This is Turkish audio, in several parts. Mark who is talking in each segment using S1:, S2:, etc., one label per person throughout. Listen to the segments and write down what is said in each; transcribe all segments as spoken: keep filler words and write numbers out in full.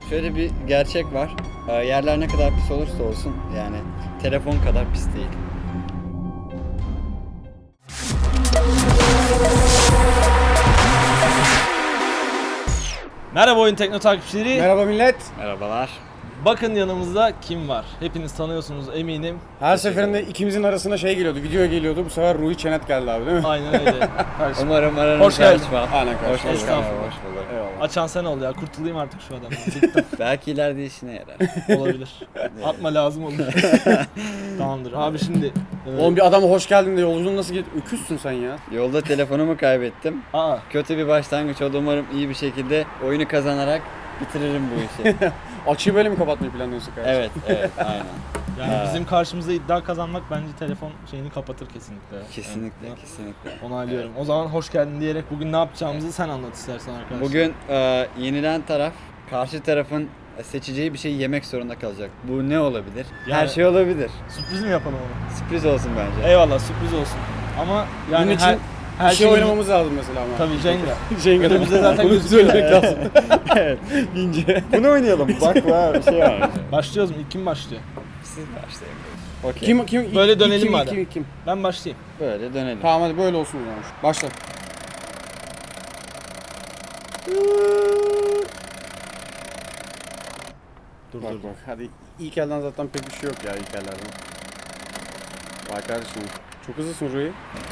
S1: Şöyle bir gerçek var. Ee, yerler ne kadar pis olursa olsun yani telefon kadar pis değil.
S2: Merhaba Oyun Tekno takipçileri.
S3: Merhaba millet.
S1: Merhabalar.
S2: Bakın yanımızda kim var? Hepiniz tanıyorsunuz eminim.
S3: Her seferinde ikimizin arasında şey geliyordu, video geliyordu. Bu sefer Ruhi Çenet geldi abi değil mi?
S2: Aynen öyle.
S1: Umarım aranızda
S2: Hoş geldin.
S1: açmam.
S3: Aynen
S1: Hoş
S3: kardeşim.
S1: bulduk.
S2: Estağfurullah.
S1: Hoş bulduk.
S3: Eyvallah.
S2: Açan sen ol ya. Kurtulayım artık şu adamdan.
S1: Belki ileride işine yarar.
S2: Olabilir. Atma lazım olur. Tamamdır. Abi şimdi. E,
S3: Oğlum bir adama hoş geldin de yolculuğun nasıl gitti? Öküzsün sen ya.
S1: Yolda telefonumu kaybettim.
S2: Aa.
S1: Kötü bir başlangıç oldu. Umarım iyi bir şekilde oyunu kazanarak bitiririm bu işi.
S3: Açıyı böyle mi kapatmayı planlıyorsun kardeşim?
S1: Evet, evet, aynen.
S2: Yani
S1: Ha.
S2: bizim karşımızda iddia kazanmak bence telefon şeyini kapatır kesinlikle.
S1: Kesinlikle,
S2: Yani
S1: kesinlikle.
S2: onaylıyorum. O zaman hoş geldin diyerek bugün ne yapacağımızı sen anlat istersen arkadaşlar.
S1: Bugün e, yenilen taraf karşı tarafın seçeceği bir şeyi yemek zorunda kalacak. Bu ne olabilir? Her
S2: Yani-
S1: şey olabilir.
S2: Sürpriz mi yapalım onu?
S1: Sürpriz olsun bence.
S2: Eyvallah sürpriz olsun. Ama yani
S3: Bunun için
S2: her, her
S3: bir şey
S2: şeyin-
S3: oynamamız lazım mesela ama.
S2: Tabii Jenga.
S3: Jenga.
S2: Önümüzde zaten
S3: Bunu
S2: gözüküyor.
S3: söylemek lazım.
S1: Evet. İnce. Bunu oynayalım. Bak var bir şey var.
S2: Başlıyoruz mu? İlk kim başlıyor?
S1: Siz başlayın. Okey.
S3: Kim kim?
S2: Böyle
S3: ilk-
S2: dönelim
S3: kim,
S2: madem.
S3: Kim, kim?
S2: Ben başlayayım.
S1: Böyle dönelim.
S3: Tamam hadi böyle olsun o zaman. Başla.
S2: Dur
S3: Bak
S2: dur.
S3: bak hadi ilk elden zaten pek bir şey yok ya ilk ellerden. Vay kardeşim. Çok hızlısın Ruhi.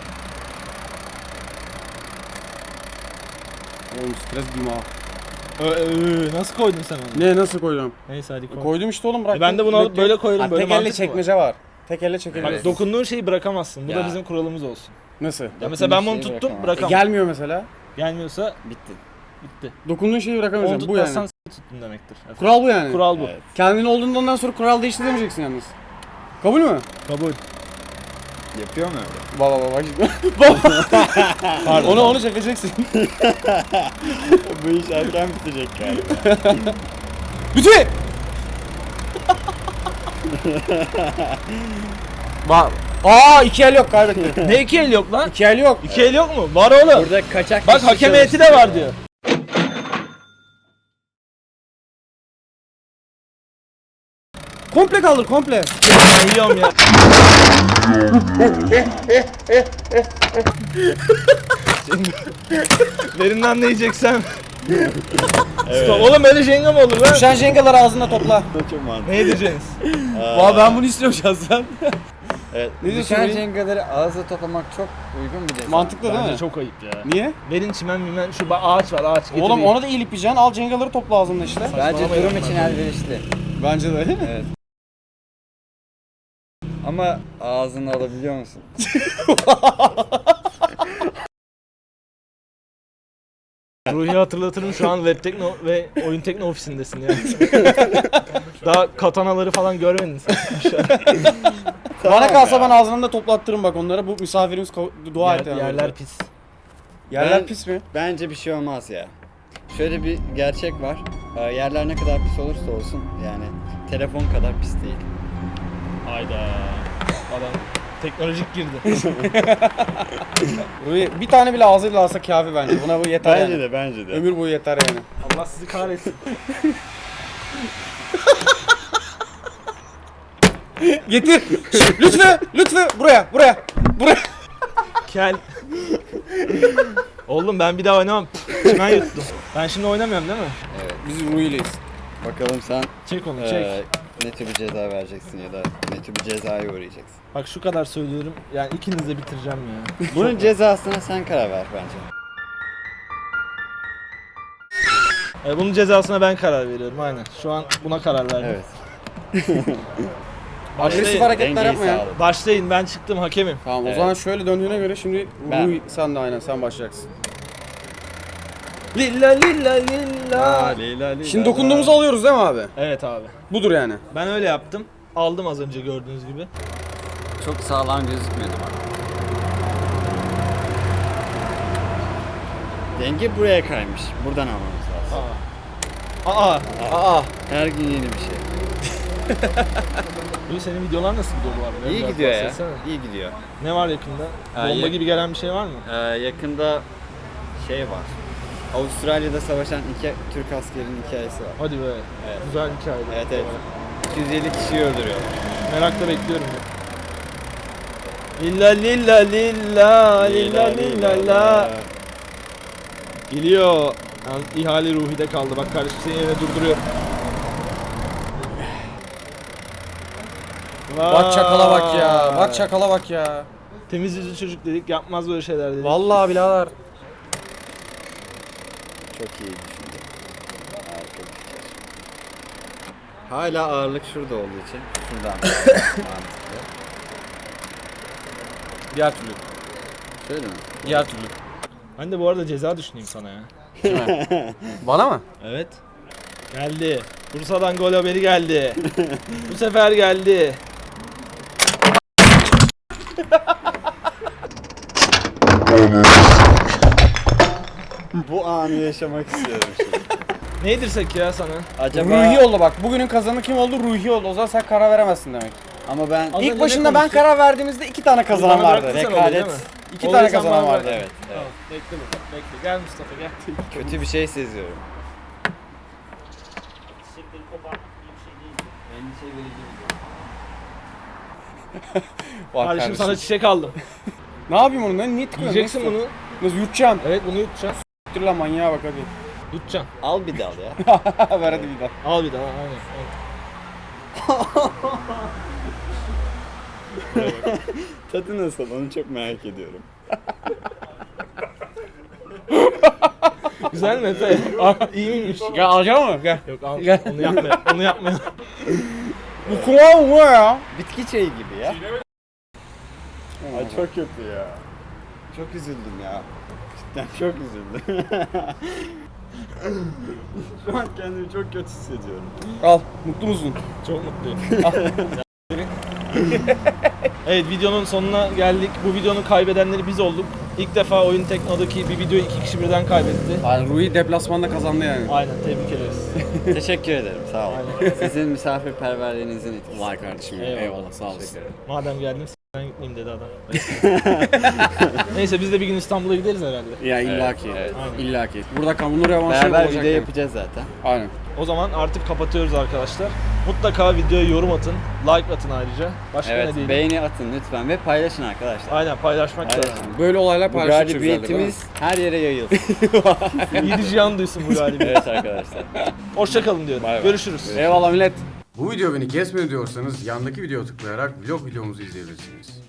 S3: Oğlum stres dima.
S2: Ö, ö, nasıl koydun sen onu?
S3: Ne nasıl koyacağım?
S2: Neyse hadi koy.
S3: Koydum işte oğlum bırak.
S2: E ben de bunu alıp böyle koyarım, böyle
S3: Tek elle
S2: mantık mı var?
S3: çekmece var. Tek elle
S2: Bak
S3: çekebiliriz.
S2: dokunduğun şeyi bırakamazsın. Bu da
S1: Ya.
S2: bizim kuralımız olsun.
S3: Nasıl?
S2: Ya mesela ben bunu
S1: şeyi
S2: tuttum
S1: bırakamam.
S3: E,
S2: bırakamam.
S3: gelmiyor mesela.
S2: Gelmiyorsa
S1: Bitti.
S2: bitti.
S3: Dokunduğun şeyi
S2: Onu
S3: bırakamayacağım. Bu
S2: tutmazsan
S3: yani.
S2: s- tuttun demektir. Efendim.
S3: Kural bu yani.
S2: Kural bu.
S1: Evet.
S3: Kendin olduğundan sonra kural değişti demeyeceksin yalnız. Kabul mü?
S2: Kabul.
S1: Yapıyor mu öyle?
S3: Baba baba bak şimdi.
S2: Pardon.
S3: onu onu çekeceksin.
S1: Bu iş erken bitecek galiba.
S3: Bütün. Bak. Aa iki el yok kaybettim.
S2: Ne iki el yok lan?
S3: İki el yok.
S2: İki el yok mu? Var oğlum.
S1: Burada kaçak
S2: Bak
S1: bir şey
S2: hakem heyeti de
S1: çalışıyor
S2: var
S1: ya.
S2: diyor.
S3: Komple kaldır komple.
S2: Ben yiyorum ya. Birinden ne yiyeceksem.
S1: Evet.
S2: Stop. Oğlum böyle jenga mı olur lan?
S3: Düşen jengaları ağzında topla.
S1: Çok mantıklı.
S2: Ne yiyeceksiniz?
S1: Aa,
S3: Valla ben bunu istiyorum şahsen.
S1: Evet.
S3: Ne diyorsun
S1: Düşen
S3: Ruhi?
S1: jengaları ağızla toplamak çok uygun bir ceza.
S3: Mantıklı değil
S2: Bence
S3: mi?
S2: çok ayıp ya.
S3: Niye?
S2: Verin çimen mimen şu ba- ağaç var ağaç getireyim.
S3: Oğlum onu da eğilip yiyeceksin. Al jengaları topla ağzında işte.
S1: Bence
S2: Saçmalamayın
S1: durum
S2: onlar.
S1: için elverişli.
S3: Bence de.
S1: Evet. Ama ağzını alabiliyor musun?
S2: Ruhi hatırlatırım şu an web tekno ve oyun tekno ofisindesin ya. Daha katanaları falan görmedin sen.
S3: Bana kalsa ben ağzından da toplattırırım bak onlara. Bu misafirimiz ko- dua et
S2: Yer,
S3: yani.
S2: yerler pis.
S3: Yerler
S1: Ben-
S3: pis mi?
S1: Bence bir şey olmaz ya. Şöyle bir gerçek var. Ee, Yerler ne kadar pis olursa olsun yani telefon kadar pis değil.
S2: Hayda. Adam teknolojik girdi.
S3: Ruhi, bir tane bile ağzıyla alsa kafi bence. Buna bu yeter yani.
S1: de bence de.
S3: Ömür boyu yeter yani.
S2: Allah sizi kahretsin.
S3: Getir. Lütfü, lütfü buraya, buraya, buraya.
S2: Kel. Oğlum ben bir daha oynamam. Çimen yuttum. Ben şimdi oynamıyorum değil mi?
S1: Evet.
S3: Biz Ruhi'leyiz.
S1: Bakalım sen
S2: Çek onu çek.
S1: eee, ne tür bir ceza vereceksin ya da ne tür bir cezaya uğrayacaksın.
S2: Bak şu kadar söylüyorum. Yani ikiniz de bitireceğim ya.
S1: Bunun cezasına sen karar ver bence.
S2: E, bunun cezasına ben karar veriyorum aynen. Şu an buna karar verdim.
S1: Evet.
S3: Agresif
S2: Başlayın.
S3: hareketler
S1: Dengeyi
S3: yapma ya.
S1: sağla.
S2: Başlayın ben çıktım hakemim.
S3: Tamam
S1: Evet.
S3: o zaman şöyle döndüğüne göre şimdi
S1: Ben.
S3: Ruhi sen de aynen sen başlayacaksın.
S2: Lilla lilla lilla.
S1: Leyla, Leyla,
S3: Şimdi dokunduğumuzu alıyoruz değil mi abi?
S2: Evet abi.
S3: Budur yani.
S2: Ben öyle yaptım. Aldım az önce gördüğünüz gibi.
S1: Çok sağlam gözükmüyordu bana. Denge buraya kaymış. Buradan almamız lazım.
S2: Aa. Aa.
S3: Aa.
S1: Her gün yeni bir şey.
S2: Bu senin videolar nasıl gidiyor bu arada?
S1: İyi
S2: Biraz
S1: gidiyor ya.
S2: bahsetsene.
S1: İyi gidiyor.
S2: Ne var yakında?
S1: Ha,
S2: Bomba
S1: yak-
S2: gibi gelen bir şey var mı?
S1: Ee, yakında şey var. Avustralya'da savaşan iki Türk askerinin hikayesi var.
S2: Hadi be.
S1: Evet.
S2: Güzel hikaye.
S1: Evet evet. iki yüz yedi kişiyi öldürüyorlar.
S2: Merakla bekliyorum. Lilla lilla lilla lilla lilla la. Geliyor. Yalnız ihale Ruhi'de kaldı. Bak kardeşim seni yerine durduruyor.
S3: Bak çakala bak ya.
S2: Vay.
S3: Bak çakala bak ya.
S2: Temiz yüzlü çocuk dedik. Yapmaz böyle şeyler dedik.
S3: Vallahi birader.
S1: Çok iyi düşündü. Harika bir fikir. Hala ağırlık şurada olduğu için şuradan mantıklı.
S3: Diğer türlü.
S1: Şöyle mi?
S3: Diğer türlü.
S2: Ben de bu arada ceza düşüneyim sana ya.
S3: Bana mı?
S2: Evet. Geldi. Bursa'dan gol haberi geldi. Bu sefer geldi.
S1: Bu anı yaşamak istiyorum şimdi.
S2: Ne yedirsek ya sana?
S1: Acaba...
S3: Ruhi oldu bak. Bugünün kazanı kim oldu? Ruhi oldu. O zaman sen karar veremezsin demek.
S1: Ama ben...
S2: Az önce
S3: İlk
S2: ne
S3: başında ben
S2: konuştuk?
S3: karar verdiğimizde iki tane kazanan
S2: Bana
S3: vardı.
S2: bıraktın sen olayı,
S1: Rekaret.
S2: değil mi?
S3: İki
S2: Olayı
S3: tane
S2: sen
S3: kazanan
S2: bana
S3: vardı.
S2: bırak.
S1: Evet, evet.
S2: Tamam, bekle bakalım, bekle. Gel Mustafa gel.
S1: Kötü bir şey seziyorum.
S3: Bak
S2: Kardeşim
S3: kardeşim.
S2: sana çiçek aldım.
S3: Ne yapayım onu? Ben niye tıkıyorum?
S2: Yiyeceksin
S3: Nasıl?
S2: bunu.
S3: Nasıl yutacağım?
S2: Evet bunu yutacaksın.
S3: Dur lan manyağa bak hadi.
S2: Yutacaksın.
S1: Al bir dal ya.
S3: Ver hadi bir daha.
S2: Al bir daha aynen. aynen.
S1: Tadı nasıl? Onu çok merak ediyorum.
S2: Güzel mi Efe? Aa, İyi miymiş?
S3: Gel alacak mı? Gel.
S2: Yok al.
S3: Gel.
S2: Onu yapmayalım. Onu yapmayalım.
S3: Bu kuma mı ya?
S1: Bitki çayı gibi ya. Ay çok kötü ya. Çok üzüldüm ya. Cidden çok üzüldüm. Şu an kendimi çok kötü hissediyorum.
S3: Al. Mutlu musun?
S2: Çok mutluyum. Evet videonun sonuna geldik. Bu videonun kaybedenleri biz olduk. İlk defa Oyun Tekno'daki bir videoyu iki kişi birden kaybetti.
S3: Yani Ruhi deplasmanda kazandı yani.
S2: Aynen tebrik ederiz.
S1: Teşekkür ederim. Sağ olun. Sizin misafirperverliğinizin etkisi.
S3: Vay kardeşim.
S2: Eyvallah.
S3: Eyvallah, sağ olasın.
S2: Madem geldim s***den gitmeyeyim dedi adam. Neyse biz de bir gün İstanbul'a gideriz herhalde.
S3: Ya illaki.
S1: Evet, evet.
S2: Aynen.
S3: İllaki. Burada kamunun revanşı
S1: Beraber
S3: olacak
S1: video
S3: yani.
S1: yapacağız zaten.
S3: Aynen.
S2: O zaman artık kapatıyoruz arkadaşlar. Mutlaka videoya yorum atın, like atın ayrıca. Başka ne
S1: Evet,
S2: diyelim?
S1: beğeni atın lütfen ve paylaşın arkadaşlar.
S2: Aynen paylaşmak lazım.
S1: Paylaşın.
S3: Böyle olaylar
S1: Bu
S3: paylaştıkça güzeldir, değil mi?
S1: galibiyetimiz her yere yayılsın.
S2: Yedi cihan duysun bu galibiyet.
S1: Evet arkadaşlar.
S2: Hoşçakalın diyorum.
S1: Bay bay.
S2: Görüşürüz.
S3: Eyvallah millet.
S4: Bu video beni kesmiyor diyorsanız yandaki videoya tıklayarak vlog videomuzu izleyebilirsiniz.